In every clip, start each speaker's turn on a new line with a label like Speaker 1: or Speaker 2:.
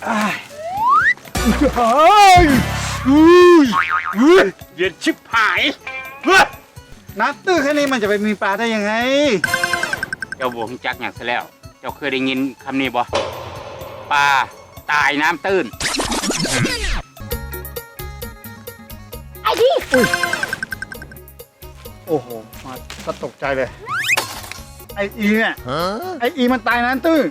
Speaker 1: เย็นชิบหาย
Speaker 2: น้ำตื้นแค่นี้มันจะไปมีปลาได้ยังไง
Speaker 1: เจ้าบวงจักอย่างซะแล้วเจ้าเคยได้ยินคำนี้บ่ปลาตายน้ำตื้น
Speaker 3: ไอ้ดิ
Speaker 2: โอ้โหมาก็ตกใจเลยไออีเนี่ยไออีมันตายน้ำตื้น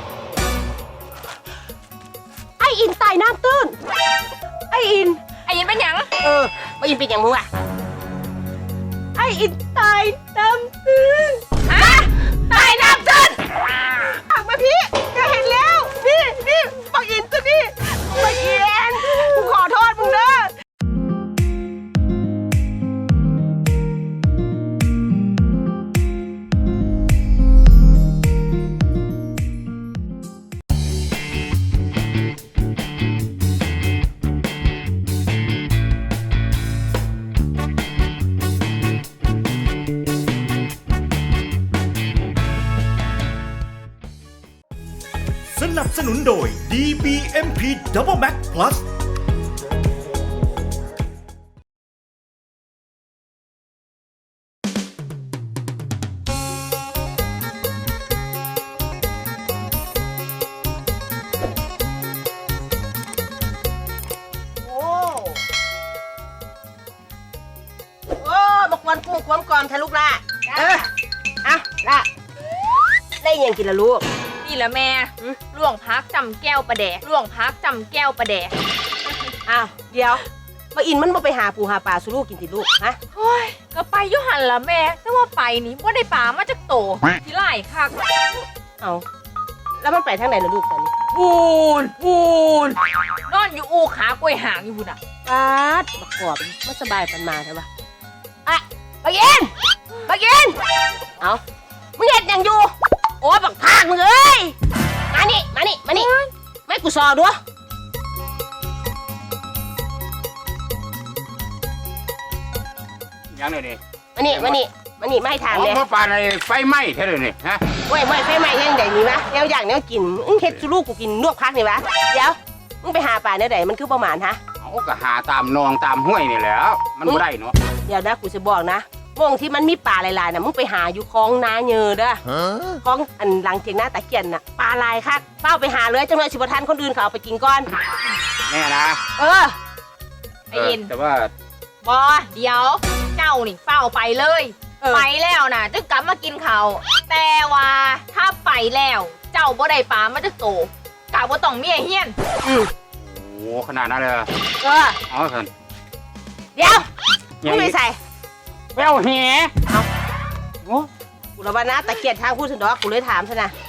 Speaker 3: ไอ้อินตายน้ำตื้นไอ้อิน
Speaker 4: เป็นหยัง
Speaker 3: ไอ้อินเป็นอย่างมึงอะไอ้อินตายน้ำตื้น
Speaker 4: ตายน้ำตื้น
Speaker 3: หักมาพี่จะเห็นแล้วนี่ปักอินตัวนี่ปักอินกูขอโทษมึงเด้อ
Speaker 5: สนับสนุนโดย DBMP Double Max Plus
Speaker 3: บอกวันกุ้งความกรอมทะลุละเอาละได้ยังกินละลูก
Speaker 4: นี่แหละแม่ล่วงพักจำแก้วประแดก
Speaker 3: อ้าวเดี๋ยวมาอินมันมาไปหาปูหาปลาสุลูกกินติลูกฮะ
Speaker 4: โอ้ยก็ไปยุหันละแม่แต่ว่าไปนี่ว่าได้ปลามาจากโตที่ไล่คัก
Speaker 3: เอาแล้วมันไปทางไหนล่ะลูกตอนนี้
Speaker 4: พูนนอนอยู่อูขากล้วยหางอยู่พุ่นอ่ะ
Speaker 3: ปัดบักกอบมันสบายปันมาใช่ปะบักเย็นเอามึงเห็นยังอยู่โอ้ยบักพากมึงเอ้ยมานี่ไม่กูซอด้วย
Speaker 1: ยังเลยนี่
Speaker 3: มานี่ไม่ให้ทางเลย
Speaker 1: เพราะปลาในไฟไหม้แค่เลยนี่ฮะ
Speaker 3: เว้ยไฟไหม้ยังไงนี่วะแนวอย่างแนวกินมึงเฮ็ดสุลูกกูกินนวกพักนี่วะเดี๋ยวมึงไปหาปลาเนี่ยไหนมันคือประมาณฮะ
Speaker 1: เอาก็หาตามนองตามห้วยนี่แหละมันไม่ได้เนาะ
Speaker 3: เดี๋ยวนะกูจะบอกนะมองที่มันมีปลาหลายๆน่ะมึงไปหาอยู่คลองนาเยอเด้อคลองอันหลังเทียงหน้าตะเกียนน่ะปลาลายคักเฝ้าไปหาเลยจังเลยสิบทันคนอื่นเขาเอาไปกินก่อน
Speaker 1: แน่นะ
Speaker 4: ไอ้ยิน
Speaker 1: แต่ว่า
Speaker 4: บอเดี๋ยวเจ้านี่เฝ้าไปเลยไปแล้วนะจะกลับมากินเขาแต่ว่าถ้าไปแล้วเจ้าบ่ได้ปลามาจะโตกะว่าต้องเมียเฮียน
Speaker 1: โอ้ขนาดนั้นเลยเอาเถอะ
Speaker 3: เดี๋ยวมึงไม่ใส่
Speaker 1: แววแหเอา
Speaker 3: โอ้กูระบานะตะเกียบทางพูดถึงดอกกูเลยถามซะนะ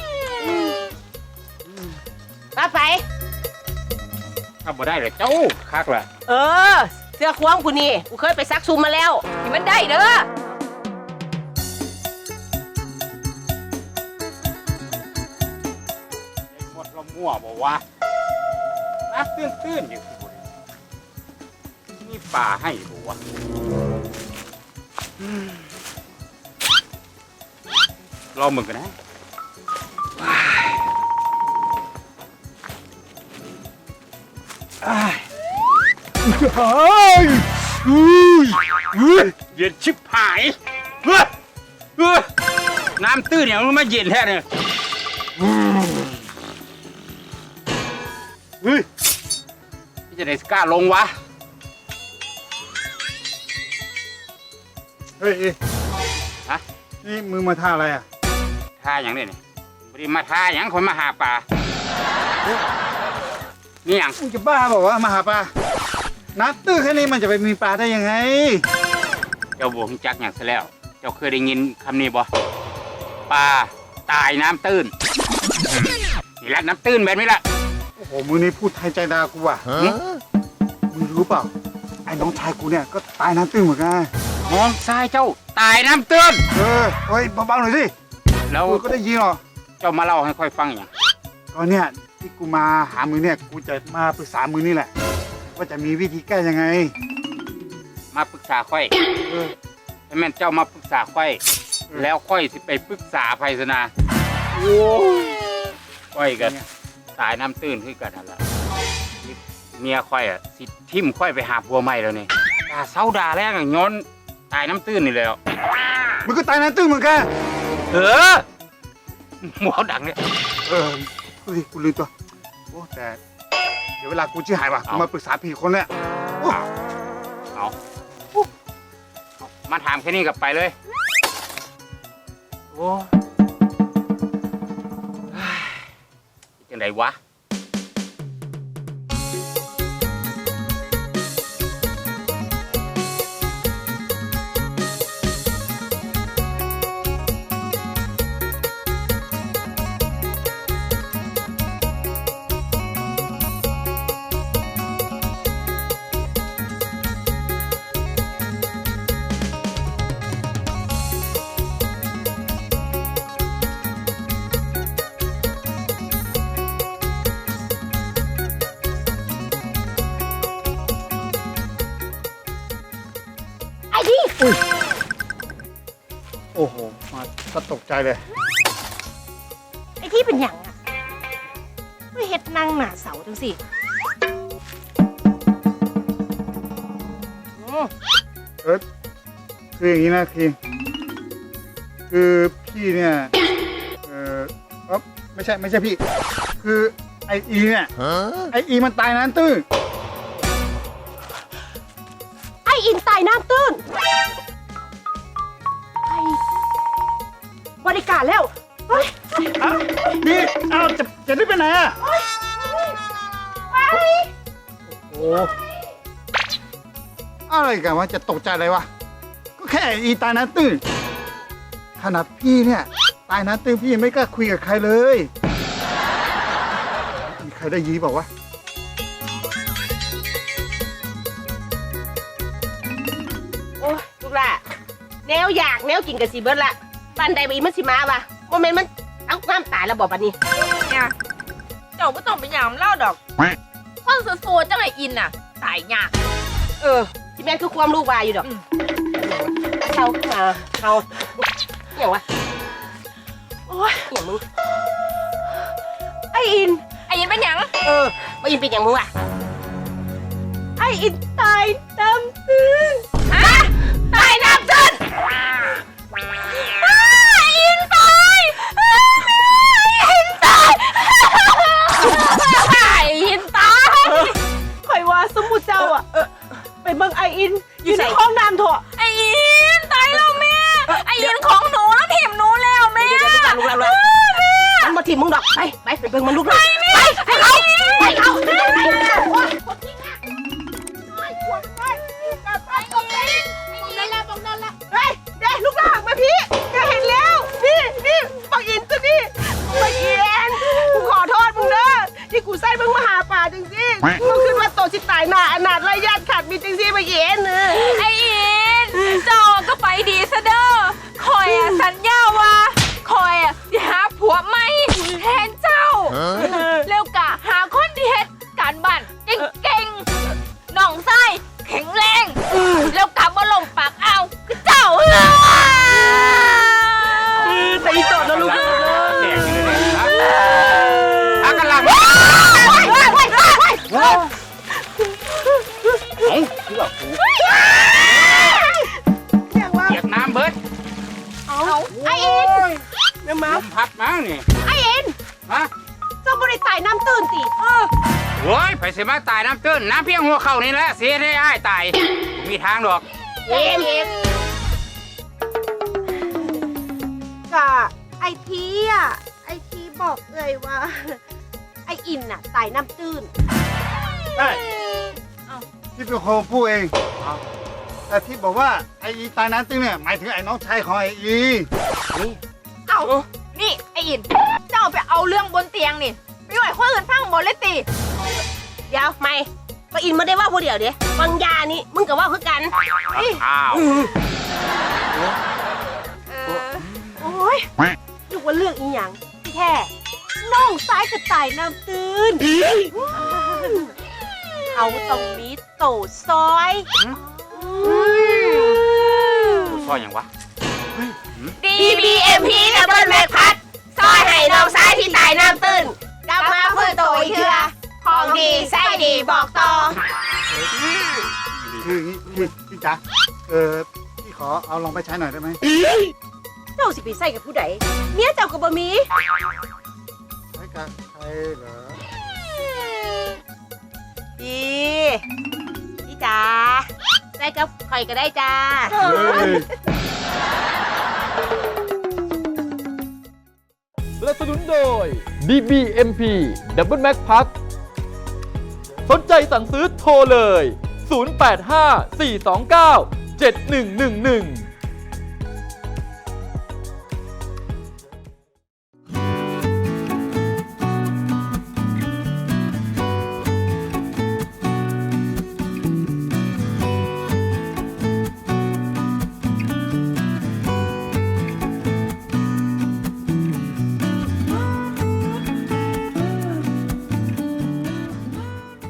Speaker 3: ไป
Speaker 1: ถ้าบ่ได้เลยเจ้าคักแหละ
Speaker 3: เสื้อคว้างกูนี่กูเคยไปซักซุมมาแล้ว
Speaker 4: ที่มันได้เด้อ
Speaker 1: หมดละมั่วบอกว่าน้ำตื้นอยู่มีป่าให้บอกว่ารอมึงกันนะเย็นชิบหายน้ำตื้นอย่างมันมาเย็นแท้เนี่ยพี่จะได้กล้าลงวะ
Speaker 2: เฮ้ย
Speaker 1: ฮะ
Speaker 2: นี่มึงมาท่าอะไรอ่ะ
Speaker 1: ท่าอย่างนี้นี่ไม่ได้มาท่าอย่างคนมาหาปลานี่อย่าง
Speaker 2: มึงจะบ้าบอกว่ามาหาปลาน้ำตื้นแค่นี้มันจะไปมีปลาได้ยังไง
Speaker 1: เจ้าบวงจักอย่างซะแล้วเจ้าเคยได้ยินคำนี้บ่ปลาตายน้ำตื้นนี่แหละน้ำตื้นแบบนี้ละ
Speaker 2: โอ้โหมึงนี่พูดไทยใจดากูว่ะมึงรู้เปล่าไอ้น้องชายกูเนี่ยก็ตายน้ำตื้นเหมือนกัน
Speaker 1: น้องชายเจ้าตายน้ำตื้น
Speaker 2: เฮ้ยเบาๆหน่อยสิ
Speaker 1: แล้ว
Speaker 2: ก็ได้ยินหรอ
Speaker 1: เจ้ามาเล่าให้ค่อยฟังอย่าง
Speaker 2: ก็เนี่ยที่กูมาหามึงเนี่ยกูจะมาปรึกษามึงนี่แหละว่าจะมีวิธีแก้ยังไง
Speaker 1: มาปรึกษาค่อยให้แม่เจ้ามาปรึกษาค่อยแล้วค่อยสิไปปรึกษาไพศนาโอ้ค่อยกันตายน้ำตื้นคือกันนั่นแหละเมียค่อยอ่ะสิทิมค่อยไปหาผัวใหม่แล้วนี่ด่าเศร้าด่าแรงอ่ะย้อนตายน้ำตื้นนี่แล้ว
Speaker 2: มึงก็ตายน้ำตื้นเหมือนกัน
Speaker 1: หมอดังเนี่ย
Speaker 2: เฮ้ยกูลืมตัวโอ้แต่เดี๋ยวเวลากูชื่อหายว่ะกู
Speaker 1: เอา
Speaker 2: มาปรึกษาพี่คนเนี่ยโอ้
Speaker 1: เอามาถามแค่นี้กลับไปเลยโอ้จังไดวะ
Speaker 3: ไอ้ดิ
Speaker 2: โอ้โหมาก็ตกใจเลย
Speaker 3: ไอ้ที่เป็นอย่างอ่ะไม่เฮ็ดนั่งหน้าเสาจังสิอืม
Speaker 2: คืออย่างนี้นะคือพี่เนี่ยไม่ใช่พี่ คือไออีเนี่ยไออีมันตายน้ำตื้น
Speaker 3: ไอ้อินตายน้ำตื้นไอ้บริการแล้วเฮ้ย
Speaker 2: อ้าวนี่อ้าวจะได้ไปไหนอ่ะ
Speaker 3: ไป
Speaker 2: โอ้อะไรกันวะจะตกใจอะไรวะก็แค่ไอ้อีตายน้ำตื้นขนาดพี่เนี่ยตายน้ำตื้นพี่ยังไม่กล้าคุยกับใครเลยมีใครได้ยีบอกว่า
Speaker 3: โอ้ยลูกหล่ะแนวอยากแนวกินกับสีเบิร์ดละปันใดไปอีมันสิมาปะโมเมนต์มันเอาน้ำตายแล้วบอกปันนี้
Speaker 4: เนี่ยเจ้าไม่ต้องไปยามเล่าดอกคนโซจังไออินน่ะตายยาก
Speaker 3: ที่แม่นคือความรู้วายอยู่ดอก
Speaker 4: อืม
Speaker 3: เขาอย่างวะ
Speaker 4: โอ้ย
Speaker 3: อย่างมึงไออิน
Speaker 4: ไออินเป็นหยัง
Speaker 3: ไออินเป็นอย่างมึงวะไออินตายน้ำตื้น
Speaker 4: ฮะตายน้ำตื้นไออินตายไออินตายไออินตาย
Speaker 3: ข่อยว่าสมุดเจ้าอ่ะไปเบิ่งไออินอยู่ในห้องน้ำเถอะ
Speaker 4: ไออินตายแล้วแม่ไออินของหนูแล้วถิ่มหนูแล้วแม่
Speaker 3: เดี๋ยวลูกหลานมันมาถีบมึงดอกไปเบิ่งมันลูกหลานไปเขาเฮ้ยเด็กลูกหลานมาพี่จะเห็นแล้วนี่ปักอินตัวนี่ปักอินกูขอโทษมึงเด้อที่กูใส่มึงมาหาป่าจริงๆมึงขึ้นมาโตชิตายหน้าอนาถไรญาติขาดมีจริงๆปักอิน
Speaker 4: ไออินเจ้าก็ไปดีซะเด้อคอยอะสัญญาว่าคอยอะสิหาผัวใหม่แทนเจ้าแล้วกะหาคนที่เฮ็ดการบ้านเก่งๆน้องไส้แข็งแรงแล้วกะบ่ลงปากเอาคือเจ้า
Speaker 3: แต่อีโตดนะลูก
Speaker 1: แตกอยู่เลยนะถ้ากำลังคือแบบกู
Speaker 3: อย่างว่า
Speaker 1: เปียกน้ำเบิด
Speaker 3: เอาไอเอ็นแม่มา
Speaker 1: ลมพัดมั้งนี่
Speaker 3: ไอเอ็น
Speaker 1: ฮะ
Speaker 3: เจ้าบริตายน้ำตื่นติ
Speaker 1: โอ้ยไปเสียมาตายน้ำตื้นน้ำเพียงหัวเข่านี่แหละเสียได้อ้ายตายบ่มีทางดอก
Speaker 3: เอ็ม
Speaker 6: กะไอทีบอกเลยว่า
Speaker 3: ไออินน่ะตายน้ำตื่น
Speaker 2: ใช่ที่เป็นคนพูดเองแต่ที่บอกว่าไอ้อีตายน้ำตื้นเนี่ยหมายถึงไอ้น้องชายของไอ้อี
Speaker 4: เอานี่ไออินเจ้าไปเอาเรื่องบนเตียงนี่ไปไหวคนอื่นฟังหมดเลยติ
Speaker 3: เดี๋ยวไม่ไออินไม่ได้ว่าผู้เดียวเดี๋ยวบางยานี่มึงกับว่าคือกัน
Speaker 1: อ้าว
Speaker 3: โอ้ยนึกว่าเรื่องอีหยังที่แท้น้องซ้ายกับตายน้ำตื่นเขาตรงนี้โตซอย
Speaker 1: ซอยอย่างวะ
Speaker 3: DBMP Double Mac พัดซอยให้น้องซ้ายที่ตายน้ำตื่นกลับมาเพื่อโตอีกเถื่อของดีไส้ดีบอกต่อ
Speaker 2: คืออย่างนี้พี่จ๋าพี่ขอเอาลองไปใช้หน่อยได้ไหม
Speaker 3: เจ้าสิไปใส่กับผู้ใดเมียเจ้าก็บ่มี
Speaker 2: ใช้กับใครเหรอ
Speaker 3: พี่จ๋าใส่กับข่อยก็ได้จ้า
Speaker 2: เฮ้ย
Speaker 7: สนับสนุนโดย DBMP Double Max Pack สนใจสั่งซื้อโทรเลย 085 429 7111